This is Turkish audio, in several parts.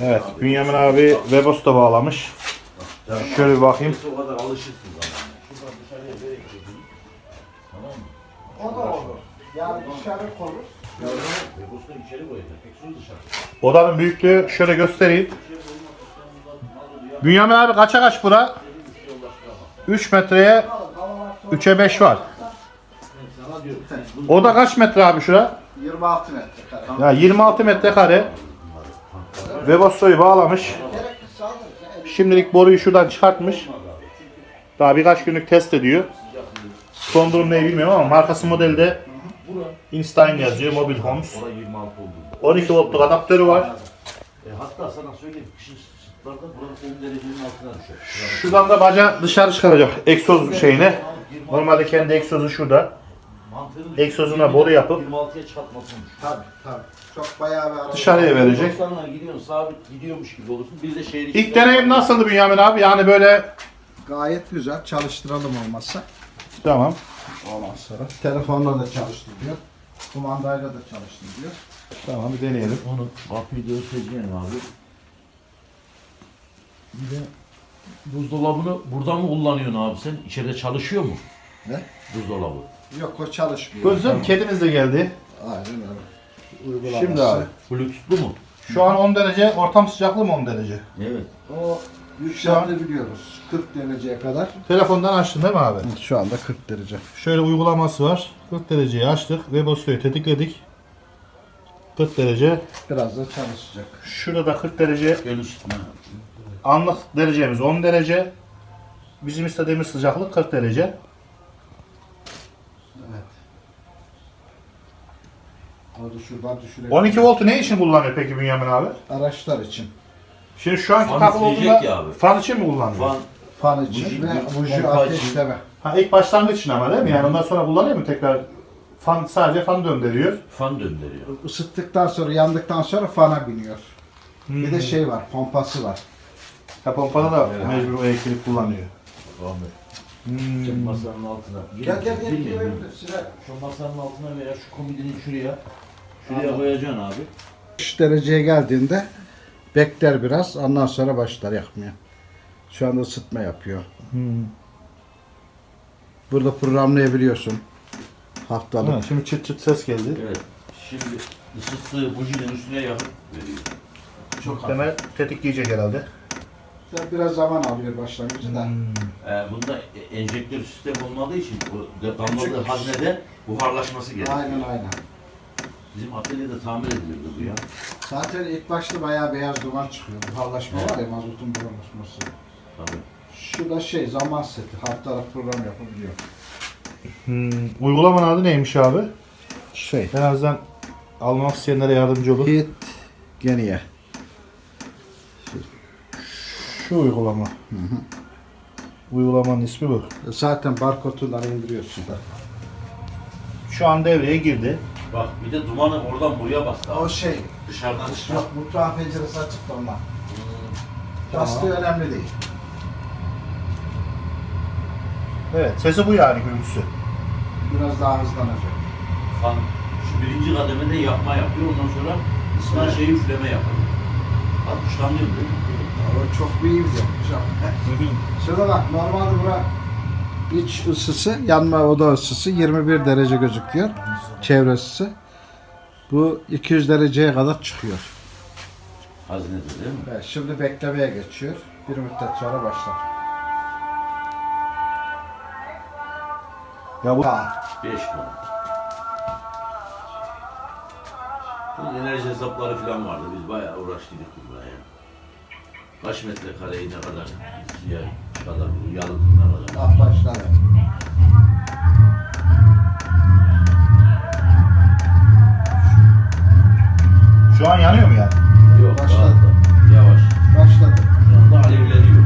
Evet, Bünyamin abi Webos'ta bağlamış. Şöyle bir bakayım. O kadar alışıksın zaten. Şuradan dışarıya böyle çekeyim. Tamam mı? O da olur. Yani dışarı konur. Webos'tan içeri koyacak. Eksuyu dışarı. Odanın büyüklüğü şöyle göstereyim. Bünyamin abi kaça kaç bura? 3 metreye 3'e 5 var. Sana diyorum. Oda kaç metre abi şura? 26 metrekare. Ya 26 metrekare. Webos'u bağlamış. Gerekirse alırız. Şimdilik boruyu şuradan çıkartmış. Daha birkaç günlük test ediyor. Son durum ne bilmiyorum ama markası modelde Einstein yazıyor, Mobil Homes. Orada 26 oldu. 12 voltluk adaptörü var. Hatta sana söyleyeyim. Kışın sıtlarda burası 10 derecenin altına düşer. Şuradan da baca dışarı çıkaracak egzoz şeyine. Normalde kendi egzozu şurada. Egzozuna boru yapıp 26'ya çıkartmasın. Tabii. Çok bayağı bir araba. dışarıya verecek. Dostlarla gidiyorsun, sabit gidiyormuş gibi olursun. Bir de şehir İlk deneyim nasıldı Bünyamin abi? Yani böyle Gayet güzel. Çalıştıralım olmazsa. tamam. Ondan sonra. Telefonla da çalıştırıyor. Kumandayla da çalıştırıyor. Tamam bir deneyelim. Onu kapıyı da örteceğim abi. Bir de buzdolabını buradan mı kullanıyorsun abi sen? İçeride çalışıyor mu? Ne? Buzdolabı. Yok o çalışmıyor. Gözüm kedimiz de geldi. Aynen öyle. Uygulaması. Şimdi abi. Bluetooth'lu mu? Şu an 10 derece, ortam sıcaklığı mı 10 derece? Evet. O yükseltebiliyoruz. 40 dereceye kadar. Telefondan açtın değil mi abi? Şu anda 40 derece. Şöyle uygulaması var. 40 dereceyi açtık. Webos'u tetikledik. 40 derece. Biraz da çalışacak. Şurada da 40 derece. Gel üstüne. Anlık derecemiz 10 derece. Bizim istediğimiz sıcaklık 40 derece. Evet. Onu şuradan düşürelim. 12 voltu ne için kullanıyor peki Bünyamin abi? Araçlar için. Şimdi şu anki Fan takılı üfleyecek olduğunda ya abi. fan için mi kullanıyor? Fan Fan için Buji- ve buji pompa ateşleme. Ha, ilk başlangıç için ama değil mi? Yani ondan sonra kullanıyor mu tekrar? Fan sadece fan döndürüyor. fan döndürüyor. Isıttıktan sonra, yandıktan sonra fana biniyor. Bir de şey var, pompası var. Ha, pompada da Evet. mecbur o elektrik kullanıyor. Ahmet. Masanın altına. Gel Bilmiyorum. Şu masanın altına veya şu komodini şuraya koyacaksın abi. 3 dereceye geldiğinde bekler biraz, ondan sonra başlar yakmaya. Şu anda ısıtma yapıyor. Burada programlayabiliyorsun. Haftalık. Ha, şimdi çıt çıt ses geldi. Evet. Şimdi ısıttığı bujinin üstüne yakıp veriyor. Çok hafif. Temel tetikleyecek herhalde. Biraz zaman alıyor başlangıcı da. Bunda enjektör sistem olmadığı için bu damladığı haznede buharlaşması gerekiyor. Aynen. Bizim atölyede tamir ediliyordu bu ya. Zaten ilk başta bayağı beyaz duman çıkıyor. Buharlaşma var ya, mazotun buharlaşması. Tabii. Şu da zaman seti. Haftalık program yapabiliyor. Uygulamanın adı neymiş abi? En azından almak isteyenlere yardımcı olur. Hit Geniye. Şu uygulama. Uygulamanın ismi bu. Zaten barkodundan indiriyorsun da. Şu an devreye girdi. Bak bir de dumanı oradan buraya bastı. O Dışarıdan çıkıyor. yok, mutfağın penceresi açık da ondan. Bastığı önemli değil. Evet, sesi bu yani gürültüsü. Biraz daha hızlanacak. Fan şu birinci kademede yakma yapıyor. Ondan sonra ısınan şeyi üfleme yapıyor. 60'lanıyor değil mi? O çok iyi bir yapmış abi. Şurada bak, normalde bura iç ısısı, yanma oda ısısı 21 derece gözüküyor. Çevre ısısı. Bu 200 dereceye kadar çıkıyor. Haznede değil mi? Evet, şimdi beklemeye geçiyor. Bir müddet sonra başlar. Ya bu 5 konu. Bu enerji hesapları falan vardı. Biz bayağı uğraştık burada ya. Kaç metrekareyi ne kadar ya kadar yalıtım ne kadar. Ah, başladı. şu an yanıyor mu yani? Yok Başladı. daha da yavaş. Başladı. Şu anda alevleniyor.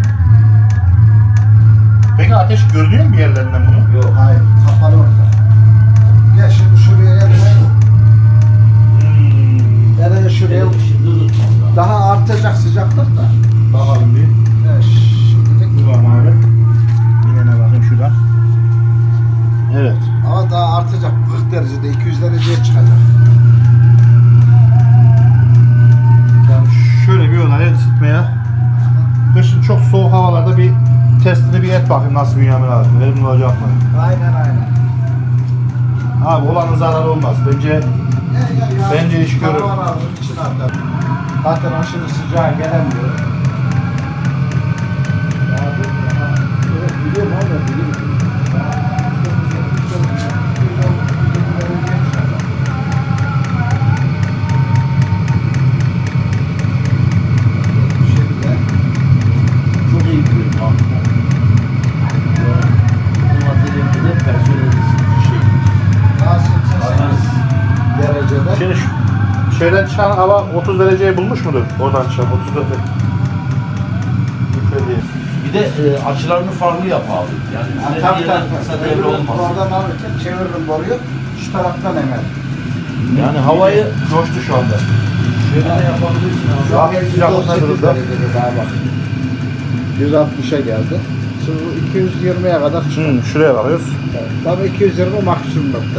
Peki ateş görünüyor mu bir yerlerinden bunu? Yok. Hayır, kapalı orada. Gel şimdi şuraya yerine. Nereye şuraya? Şimdi unutmam. Daha artacak sıcaklık da. Bakalım bir. Evet, şimdilik. Dur bakalım abi. Yine bakayım şuradan. Evet. Ama daha artacak. 40 derecede, 200 dereceye çıkacak. Yani şöyle bir olay çok soğuk havalarda bir testini bir et bakayım nasıl Bünyamin abi. Verimli olacak mı? Aynen. Abi olanın zararı olmaz. Bence iş görür. Hava alır, içine atar. Zaten aşırı sıcağa gelemiyor. Biliyorum ama biliyorum. Çok iyi biliyorum abi. Bu materyalde de personel şey. Daha 88 derecede. Şimdi şeyden çıkan hava 30 dereceyi bulmuş mudur? Oradan çıkan 30 derece. Şöyle diyeyim. Bir de açılarını farklı yap abi. Yani Tabii. kısa devre olmaz. Oradan alırken çeviririm boruyu. Şu taraftan emer. Yani havayı Coştu şu anda. şöyle de yapabilirsin abi. Şu an sıcaklık ne durumda? derecede daha bak. 160'a geldi. Şimdi bu 220'ye kadar çıkıyor. Şuraya bakıyoruz. Tabii 220 maksimum nokta.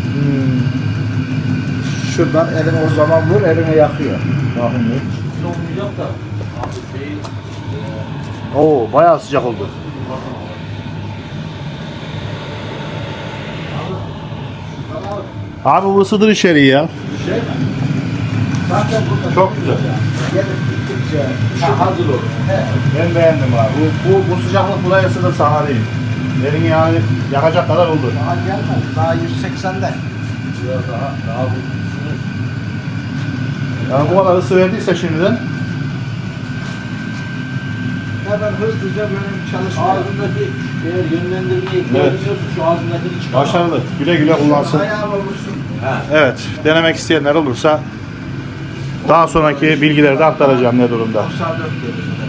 Şuradan elini o zaman vur, elini yakıyor. Olmayacak da abi şeyi Oo bayağı sıcak oldu. Abi bu ısıdır içeriği ya. Şey mi? Zaten burada Çok güzel. gelip gittikçe hazır olur. Ben beğendim abi. Bu sıcaklık buraya ısıdır sana değil. Elini yani yakacak kadar oldu. daha gelmez. Daha 180'de. Biraz daha bu Yani bu kadar ısı verdiyse şimdiden Hemen hızlıca böyle bir çalışma. ağzındaki eğer yönlendirmeyi koyuyorsun şu ağzındakini çıkar. başarılı. Güle güle kullansın. Ayağını vursun. He. Evet, denemek isteyenler olursa daha sonraki bilgileri de aktaracağım ne durumda. 94 derece.